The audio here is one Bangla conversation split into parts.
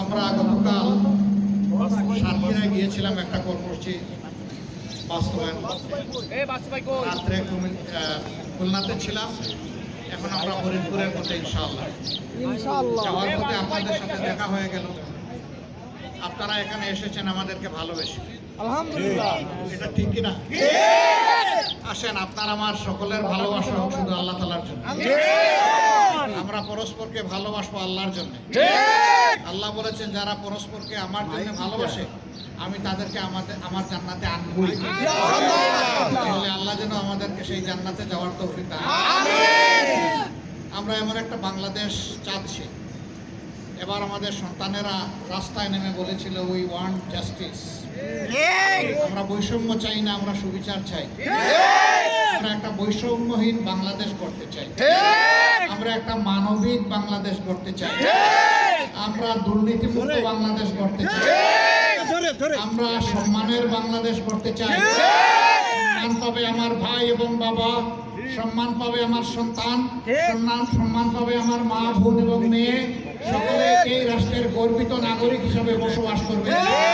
আমরা গতকাল সাতক্ষীরায় গিয়েছিলাম একটা কর্মসূচি বাস্তবায়ন রাত্রে খুলনাতে ছিলাম, এখন আমরা ফরিদপুরের পথে ইনশাআল্লাহ যাওয়ার পথে আপনাদের সাথে দেখা হয়ে গেল। আপনারা এখানে এসেছেন আমাদেরকে ভালোবেসে, আলহামদুলিল্লাহ। এটা ঠিক কিনা? আসেন, আপনার আমার সকলের ভালোবাসা হোক শুধু আল্লাহ তাআলার জন্য। আমরা পরস্পরকে ভালোবাসবো আল্লাহর জন্য। আল্লাহ বলেছেন যারা পরস্পরকে আমার জন্য ভালোবাসে আমি তাদেরকে আমার জান্নাতে আনবই। তাহলে আল্লাহ যেন আমাদেরকে সেই জান্নাতে যাওয়ার তৌফিক দান করেন। আমরা এমন একটা বাংলাদেশ চাচ্ছি। এবার আমাদের সন্তানেরা রাস্তায় নেমে বলেছিল উই ওয়ান্ট জাস্টিস। আমরা বৈষম্য চাই না, আমরা সুবিচার চাই। আমরা একটা বৈষম্যহীন বাংলাদেশ করতে চাই। আমরা একটা মানবিক বাংলাদেশ করতে চাই। আমরা দুর্নীতিমুক্ত বাংলাদেশ করতে চাই। আমরা সম্মানের বাংলাদেশ করতে চাই। সম্মান পাবে আমার ভাই এবং বাবা, সম্মান পাবে আমার সন্তান, সম্মান পাবে আমার মা, বোন এবং মেয়ে। সকলে এই রাষ্ট্রের গর্বিত নাগরিক হিসাবে বসবাস করবে।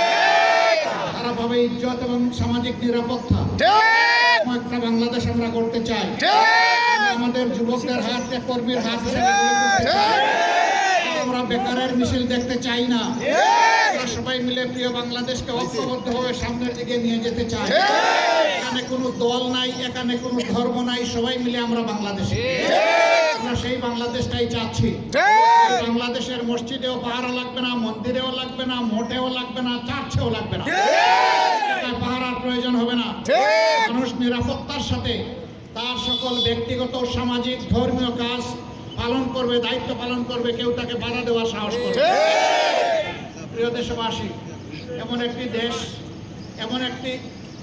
তারা পাবে ইজ্জত এবং সামাজিক নিরাপত্তা। একটা বাংলাদেশ আমরা করতে চাই। আমাদের যুবকদের হাত কর্মীর হাত হিসেবে গড়ে তুলতে চাই। আমরা বেকারের মিছিল দেখতে চাই না। আমরা সবাই মিলে প্রিয় বাংলাদেশকে ঐক্যবদ্ধভাবে সামনের দিকে নিয়ে যেতে চাই। এখানে কোনো দল নাই, এখানে কোনো ধর্ম নাই, সবাই মিলে আমরা বাংলাদেশে। আমরা সেই বাংলাদেশটাই চাচ্ছি। বাংলাদেশের মসজিদেও পাহারা লাগবে না, মন্দিরেও লাগবে না, মোটেও লাগবে না, চার্চেও লাগবে না। পাহারার প্রয়োজন হবে না। মানুষ নিরাপত্তার সাথে তার সকল ব্যক্তিগত, সামাজিক, ধর্মীয় কাজ পালন করবে, দায়িত্ব পালন করবে। কেউ তাকে বাধা দেওয়ার সাহস করবে। প্রিয় দেশবাসী, এমন একটি দেশ, এমন একটি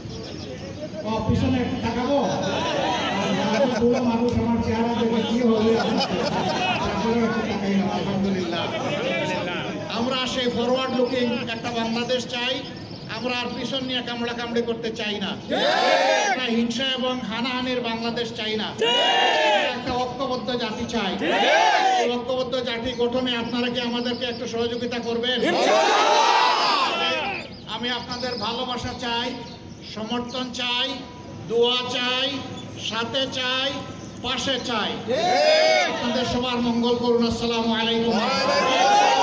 পিছনে তাকাবো মানুষ আমার চেহারা দেখে কি হবে। আলহামদুলিল্লাহ, আমরা সেই ফরওয়ার্ড লুকিং একটা বাংলাদেশ চাই। আমরা আর পিছন নিয়ে কামড়া কামড়ি করতে চাই না। আমরা হিংসা এবং হানাহানির বাংলাদেশ চাই না। একটা ঐক্যবদ্ধ জাতি চাই। এই ঐক্যবদ্ধ জাতি গঠনে আপনারা কি আমাদেরকে একটু সহযোগিতা করবেন? আমি আপনাদের ভালোবাসা চাই, সমর্থন চাই, দোয়া চাই, সাথে চাই, পাশে চাই। আপনাদের সবার মঙ্গল করুন। আসসালামু আলাইকুম।